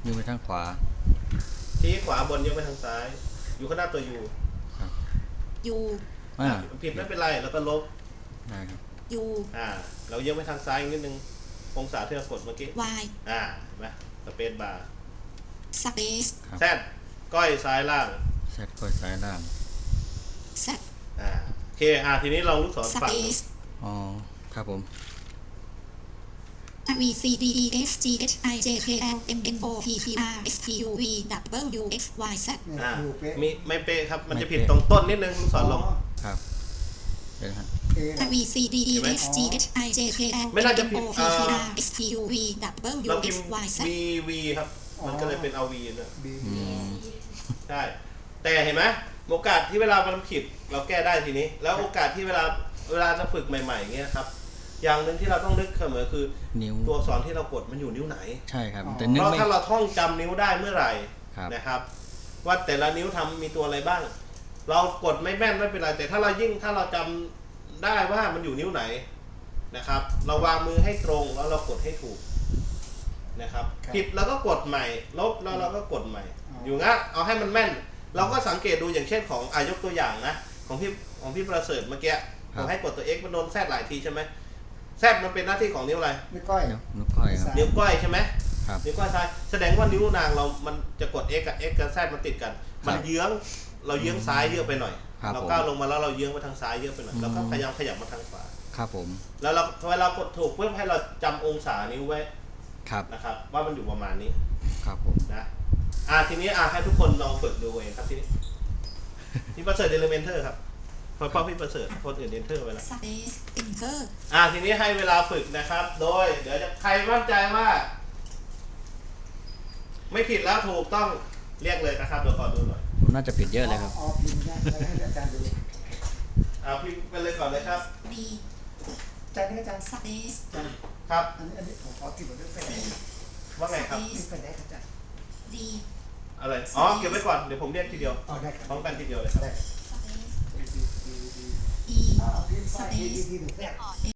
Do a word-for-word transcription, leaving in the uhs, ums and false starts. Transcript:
ยืนไปทางขวาชี้ขวาบนยกไปทางซ้ายอยู่ข้างหน้าตัวยูยูอ่าผิดไม่เป็นไรแล้วก็ลบได้ครับยูอ่าเรายกไปทางซ้ายนิดนึงองศาที่เรากดเมื่อกี้ Y อ่าเห็นไหมสเปซบาร์สเปซแซดก้อยซ้ายล่างแซดก้อยซ้ายล่างแซดอ่าโอเคอ่าทีนี้ลองลูกศรฝั่งอ๋อครับผม V C D E S G H I J K L M N O P Q R S T U V W X Y Z อ่ามีไม่เป๊ะครับมันจะผิดตรงต้นนิดนึงลูกศรลงครับเดี๋ยวฮะ V C D E S G H I J K L M N O P Q R S T U V W เราพิ X มพ์ Y Z V V ครับมันก็เลยเป็น เอา V ด้วยอืมใช่แต่เห็นไหมโอกาสที่เวลามันผิดเราแก้ได้ทีนี้แล้วโอกาสที่เวลาเวลาจะฝึกใหม่ๆอย่างเงี้ยครับอย่างหนึ่งที่เราต้องนึกเสมอคือนิ้วตัวอักษรที่เรากดมันอยู่นิ้วไหนใช่ครับแต่เพราะนึกไม่ถ้าเราท่องจำนิ้วได้เมื่อไหร่ครับนะครับว่าแต่ละนิ้วทำมีตัวอะไรบ้างเรากดไม่แม่นไม่เป็นไรแต่ถ้าเรายิ่งถ้าเราจำได้ว่ามันอยู่นิ้วไหนนะครับเราวางมือให้ตรงแล้วเรากดให้ถูกนะครับผิดเราก็กดใหม่ลบแล้วเราก็กดใหม่อยู่งั้นเอาให้มันแม่นเราก็สังเกตดูอย่างเช่นของอายกตัวอย่างนะของพี่ของพี่ประเสริฐเมื่อกี้ผมให้กดตัว X มันโดนแซดหลายทีใช่ไหมแซดมันเป็นหน้าที่ของนิ้วอะไรนิ้วก้อยนิ้วก้อยครับนิ้วก้อยใช่ไหมครับนิ้วก้อยซ้ายแสดงว่านิ้วนางเรามันจะกด X กับ X กับ Z มันติดกันมันเยื้องเราเยื้องซ้ายเยอะไปหน่อยเราก้าวลงมาแล้วเราเยื้องไปทางซ้ายเยอะไปหน่อยเราก็พยายามขยับมาทางขวาครับผมแล้วเราเวลากดถูกเพื่อให้เราจำองศานิ้วไว้ครับนะครับว่ามันอยู่ประมาณนี้ครับผมนะอ่าทีนี้อ่าให้ทุกคนลองฝึกดูเองครับทีนี้พี่ประเสริฐเดลเมนเทอร์ครับเพราะพ่อพี่ประเสริฐคนอื่นเดนเทอร์ไปแล้วสเปซเอนเตอร์อ่าทีนี้ให้เวลาฝึกนะครับโดยเดี๋ยวจะใครมั่นใจว่าไม่ผิดแล้วถูกต้องเรียกเลยนะครับเดี๋ยวขอดูหน่อยน่าจะผิดเยอะเลยครับอ๋อพิมพ์ได้ให้อาจารย์ดูอ่าพิมพ์ไปเลยก่อนเลยครับ D อาจารย์นี่อาจารย์สเปซอาจารย์ครับอันนี้อันนี้ผมขอติดไว้ด้วยไปไหนว่าไงครับนี่ไปไหนครับอาจารย์ D อะไรอ๋อเก็บไว้ก่อนเดี๋ยวผมเรียกทีเดียวอ๋อได้ครับพร้อมกันทีเดียวเลยครับได้สเปซดีดีดี E อ่าพิมพ์ไปดีดีดีหนึ่งแรก